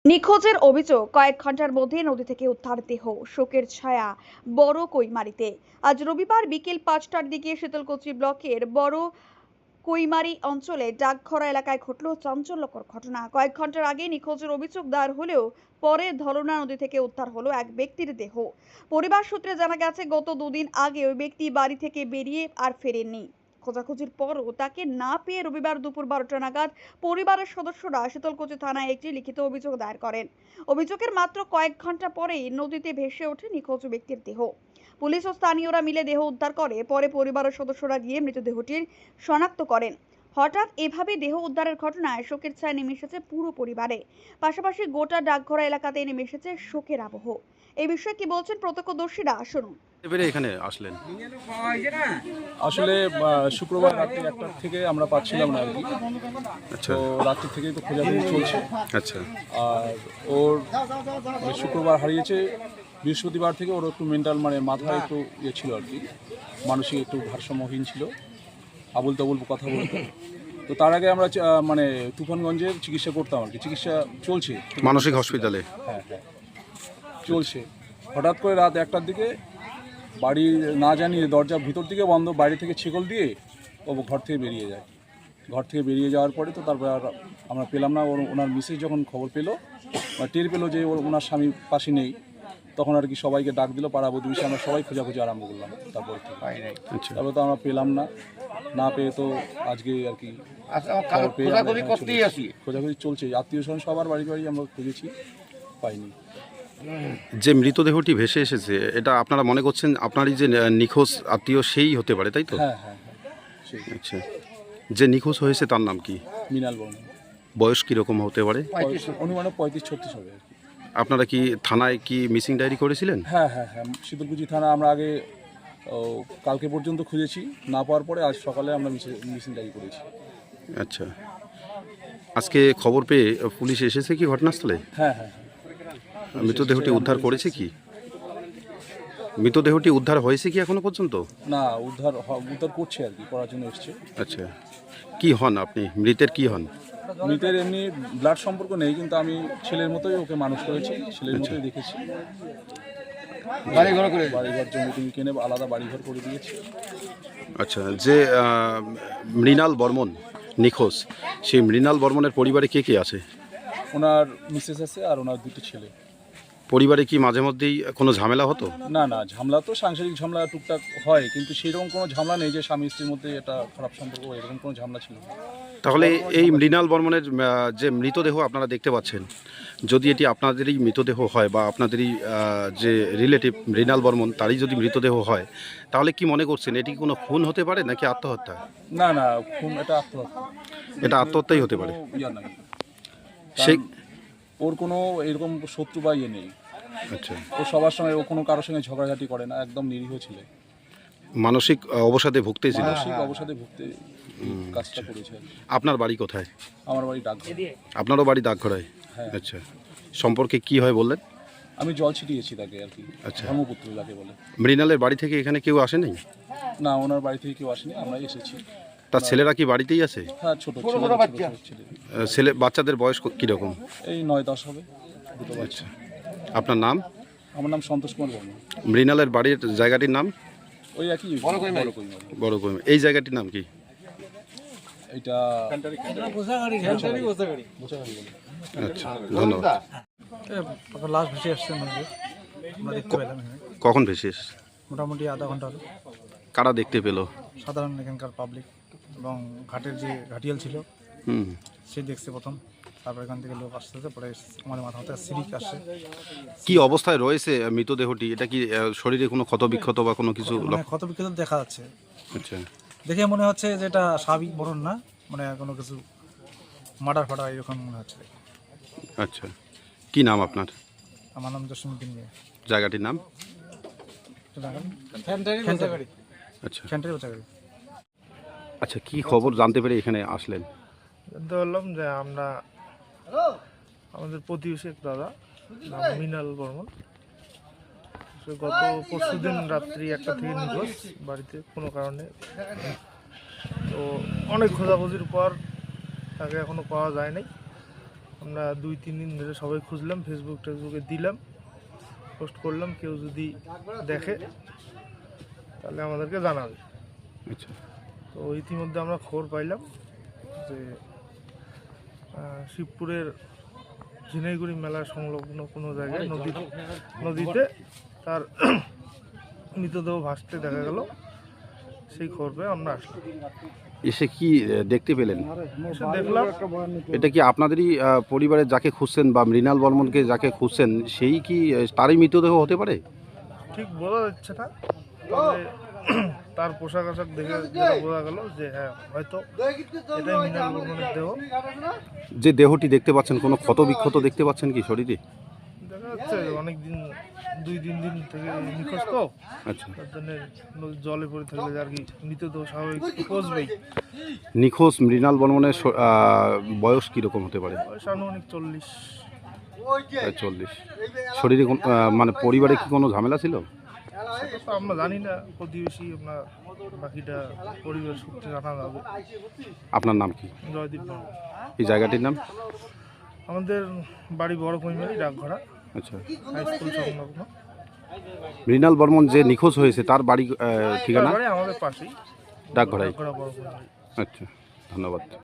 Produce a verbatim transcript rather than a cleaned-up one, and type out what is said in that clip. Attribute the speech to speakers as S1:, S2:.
S1: নিখোঁজের অভিযোগ, কয়েক ঘন্টার মধ্যে নদী থেকে উদ্ধার দেহ, শোকের ছায়া বড় কৈমারিতে। আজ রবিবার বিকেল পাঁচটার দিকে শীতলকুচি ব্লকের বড় কৈমারি অঞ্চলে ডাকঘরা এলাকায় ঘটল চাঞ্চল্যকর ঘটনা। কয়েক ঘন্টার আগে নিখোঁজের অভিযোগ দায়ের হলেও পরে ধরনা নদী থেকে উদ্ধার হলো এক ব্যক্তির দেহ। পরিবার সূত্রে জানা গেছে, গত দুদিন আগে ওই ব্যক্তি বাড়ি থেকে বেরিয়ে আর ফেরেননি। খোঁজাখুঁজির পরও তাকে না পেয়ে রবিবার দুপুর বারোটা নাগাদ পরিবারের সদস্যরা শীতলকুচি থানায় একটি লিখিত অভিযোগ দায়ের করেন। অভিযোগের মাত্র কয়েক ঘন্টা পরেই নদীতে ভেসে ওঠে নিখোঁজ ব্যক্তির দেহ। পুলিশ ও স্থানীয়রা মিলে দেহ উদ্ধার করে। পরে পরিবারের সদস্যরা গিয়ে মৃতদেহটির শনাক্ত করেন। হঠাৎ এভাবে দেহ উদ্ধারের ঘটনায় শোকের ছায়া নেমে এসেছে পুরো পরিবারে। পাশাপাশি গোটা ডাকঘরা এলাকাতে নেমে এসেছে শোকের আবহ। এই বিষয়ে কি বলছেন প্রত্যক্ষদর্শীরা, শুনুন।
S2: এবারে এখানে আসলেন
S3: আসলে আহ, শুক্রবার রাত্রি একটার থেকে আমরা পাচ্ছিলাম না আর কি।
S2: আচ্ছা
S3: তো রাত্রি থেকেই তো খোঁজাখুঁজি চলছে।
S2: আচ্ছা
S3: আর ওর মানে শুক্রবার হারিয়েছে, বৃহস্পতিবার থেকে ওর একটু মেন্টাল মানে মাথায় একটু ইয়ে ছিল আর কি, মানসিক একটু ভারসাম্যহীন ছিল, আবুল তাবুল কথা বলতো। তো তার আগে আমরা আহ, মানে তুফানগঞ্জের চিকিৎসা করতাম আর কি, চিকিৎসা চলছে
S2: মানসিক হসপিটালে।
S3: হ্যাঁ হ্যাঁ চলছে। হঠাৎ করে রাত একটার দিকে বাড়ি না জানিয়ে দরজা ভিতর থেকে বন্ধ, বাইরে থেকে ছেকল দিয়ে ও ঘর থেকে বেরিয়ে যায়। ঘর থেকে বেরিয়ে যাওয়ার পরে তো তারপরে আর আমরা পেলাম না। ওর ওনার মিসেস যখন খবর পেলো বা টের পেলো যে ওর ওনার স্বামী পাশে নেই, তখন আর কি সবাইকে ডাক দিল, পাড়া প্রতিবেশী আমরা সবাই খোঁজাখুঁজি আরম্ভ করলাম। তারপর
S2: আচ্ছা
S3: তারপরে তো আমরা পেলাম না, না পেয়ে তো আজকে আর কি খবর পেয়ে আমরা এখানে চলে এসেছি। খোঁজাখুঁজি চলছে, আত্মীয় স্বজন সবার বাড়ি বাড়ি আমরা খুঁজেছি, পাইনি।
S2: যে মৃতদেহটি ভেসে এসেছে, এটা আপনারা মনে করছেন আপনারই যে নিখোঁজ আত্মীয় সেই হতে পারে, তাই তো?
S3: হ্যাঁ হ্যাঁ হ্যাঁ সেই
S2: আচ্ছা, যে নিখোঁজ হয়েছে তার নাম কি?
S3: মৃণাল বর্মন।
S2: বয়স কীরকম হতে পারে?
S3: অনুমানে পঁয়ত্রিশ ছত্রিশ হবে আর কি।
S2: আপনারা কি থানায় কি মিসিং ডায়েরি করেছিলেন?
S3: হ্যাঁ হ্যাঁ হ্যাঁ শীতলকুচি থানা আমরা আগে ও, কালকে পর্যন্ত খুঁজেছি, না পাওয়ার পরে আজ সকালে আমরা মিসিং ডায়েরি করেছি।
S2: আচ্ছা, আজকে খবর পেয়ে পুলিশ এসেছে কি ঘটনাস্থলে?
S3: হ্যাঁ হ্যাঁ হ্যাঁ
S2: মৃতদেহটি উদ্ধার করেছে কি? মৃতদেহটি উদ্ধার হয়েছে কি এখনো পর্যন্ত?
S3: না, উদ্ধার হ- উদ্ধার করছে আর কি, করার জন্য এসছে।
S2: আচ্ছা, কি হন আপনি? মৃতের কি হন?
S3: মৃতের এমনি ব্লাড সম্পর্ক নেই, কিন্তু আমি ছেলের মতোই ওকে মানুষ করেছি, ছেলের মতোই দেখেছি। বাড়িঘর করে বাড়িঘর জমি টমি কিনে আলাদা বাড়িঘর করে দিয়েছি।
S2: আচ্ছা, যে আহ, মৃণাল বর্মন নিখোঁজ, সেই মৃণাল বর্মনের পরিবারে কে কে আছে?
S3: ওনার মিসেস আছে আর ওনার দুটো ছেলে।
S2: পরিবারে কি মাঝে মধ্যেই কোনো ঝামেলা হতো?
S3: না না, ঝামেলা তো সাংসারিক ঝামেলা টুকটাক হয়, কিন্তু সেরকম কোনো ঝামেলা নেই যে স্বামী স্ত্রীর মধ্যে এটা খারাপ সম্পর্ক, এরকম কোনো ঝামেলা ছিল না।
S2: তাহলে এই মৃণাল বর্মনের আহ, যে মৃতদেহ আপনারা দেখতে পাচ্ছেন, যদি এটি আপনাদেরই মৃতদেহ হয় বা আপনাদেরই আহ, যে রিলেটিভ মৃণাল বর্মন তারই যদি মৃতদেহ হয়, তাহলে কি মনে করছেন এটি কোনো খুন হতে পারে নাকি আত্মহত্যা?
S3: না না, খুন এটা আত্মহত্যা।
S2: এটা আত্মহত্যাই হতে পারে।
S3: কোনো ইয়া নাই,
S2: সেই
S3: ওর কোনো এরকম শত্রু বা ইয়ে নেই।
S2: আচ্ছা,
S3: ও সবার সঙ্গে, ও কোনো কারোর সঙ্গে ঝগড়াঝাটি করে না, একদম নিরীহ ছেলে।
S2: মানসিক আহ, অবসাদে ভুগতেছিল।
S3: মানসিক অবসাদে ভুগতে এই কাজটা করেছে।
S2: আপনার বাড়ি কোথায়?
S3: আমার বাড়ি ডাকঘর।
S2: আপনারও বাড়ি ডাকঘরায়?
S3: হ্যাঁ।
S2: আচ্ছা, সম্পর্কে কি হয় বললেন?
S3: আমি জল ছিটিয়েছি তাকে আর কি,
S2: আচ্ছা।
S3: ধর্মপুত্র যাকে বলে।
S2: মৃণালের বাড়ি থেকে এখানে কেউ আসেনি?
S3: না, ওনার বাড়ি থেকে কেউ আসেনি, আমরাই এসেছি।
S2: তার ছেলেরা কি বাড়িতেই আছে?
S3: হ্যাঁ, ছোট ছোট ছোট ছেলে,
S2: আহ, ছেলে বাচ্চাদের বয়স ক- কীরকম?
S3: এই নয় দশ হবে, দুটো বাচ্চা।
S2: আপনার নাম?
S3: আমার নাম সন্তোষ কুমার বর্মন।
S2: মৃণালের বাড়ির জায়গাটির নাম?
S3: ওই একই বড় কৈমারি।
S2: বড় কই। এই জায়গাটির নাম কি?
S3: এইটা বোঝাগাড়ি বলে।
S2: আচ্ছা, ধন্যবাদ।
S4: লাশ ভেসে আসছে নদীতে, আমরা দেখতে পেলাম এখানে।
S2: কখন ভেসে এসেছে?
S4: মোটামুটি আধা ঘন্টা হলো।
S2: কারা দেখতে পেলো?
S4: সাধারণ এখানকার পাবলিক এবং ঘাটের যে ঘাটিয়াল ছিল
S2: হুম,
S4: সে দেখছে প্রথম, তারপর এখান থেকে লোক আসতেছে, পরে আমাদের মাথা মাথায় সিরিক আসছে।
S2: কি অবস্থায় রয়েছে আহ, মৃতদেহটি? এটা কি আহ, শরীরে কোনো ক্ষত বিক্ষত বা কোনো কিছু
S4: মানে
S2: লক্ষ্য?
S4: ক্ষত বিক্ষত দেখা যাচ্ছে,
S2: আচ্ছা,
S4: দেখে মনে হচ্ছে যে এটা স্বাভাবিক মরণ না, মানে কোনো কিছু মার্ডার ফাটার এরকম মনে হচ্ছে।
S2: আচ্ছা, কি নাম আপনার?
S4: আমার নাম জসীমউদ্দিন মিয়া।
S2: জায়গাটির নাম?
S4: ফ্যান্টারি
S2: আচ্ছা
S4: বোঝাগাড়ি।
S2: আচ্ছা, কি খবর জানতে পেরে এখানে আসলেন?
S5: জানতে পারলাম যে আমরা আমাদের প্রতিবেশী এক দাদা নাম মৃণাল বর্মন, সে গত পরশু দিন রাত্রি একটা থেকে নিখোঁজ, বাড়িতে কোনো কারণে। তো অনেক খোঁজাখুঁজির পর তাকে এখনো পাওয়া যায় নাই। আমরা দুই তিন দিন ধরে সবাই খুঁজলাম, ফেসবুক টেসবুকে দিলাম, পোস্ট করলাম, কেউ যদি দেখে তাহলে আমাদেরকে জানাবে।
S2: আচ্ছা,
S5: তো ইতিমধ্যে আমরা খবর পাইলাম যে আহ, শিবপুরের ঝিনাইগুড়ি মেলা সংলগ্ন কোনো জায়গায় নদী নদীতে তার মৃতদেহ ভাসতে দেখা গেল। সেই খবর পেয়ে আমরা আসলাম,
S2: এসে কি আহ, দেখতে পেলেন?
S5: এসে দেখলাম
S2: এটা কি আপনাদেরই আহ, পরিবারের যাকে খুঁজছেন বা মৃণাল বর্মনকে যাকে খুঁজছেন সেই কি আহ, তারই মৃতদেহ হতে পারে?
S5: ঠিক বোঝা যাচ্ছে না, তবে তার পোশাক আশাক দেখে যেটা বোঝা গেল যে হ্যাঁ হয়তো এটাই মৃণাল বর্মনের দেহ।
S2: যে দেহটি দেখতে পাচ্ছেন কোনো ক্ষত বিক্ষত দেখতে পাচ্ছেন কি শরীরে?
S5: দেখা যাচ্ছে অনেক দিন, দুই তিন দিন থেকে নিখোঁজ তো,
S2: আচ্ছা,
S5: তার জন্য জলে পড়ে থাকলে আর কি মৃতদেহ স্বাভাবিক পচবেই।
S2: নিখোঁজ মৃণাল বর্মনের স- আহ, বয়স কীরকম হতে পারে?
S5: বয়স আনুমানিক চল্লিশ।
S2: প্রায় চল্লিশ। শরীরে কোন- আহ, মানে পরিবারে কি কোনো ঝামেলা ছিল?
S5: সেটা তো আমরা জানি না, প্রতিবেশী আমরা বাকিটা পরিবার সূত্রে জানা যাবে।
S2: আপনার নাম কি?
S5: জয়দীপ বর্মন।
S2: এই জায়গাটির নাম?
S5: আমাদের বাড়ি বড় কৈমারি, ডাকঘরা,
S2: আচ্ছা,
S5: হাই স্কুল সংলগ্ন।
S2: মৃণাল বর্মন যে নিখোঁজ হয়েছে তার বাড়ি আহ,
S5: তার
S2: ঠিকানা
S5: বাড়ি আমাদের পাশেই,
S2: ডাকঘরাই।
S5: ডাকঘরা বড় কৈমারি।
S2: আচ্ছা, ধন্যবাদ।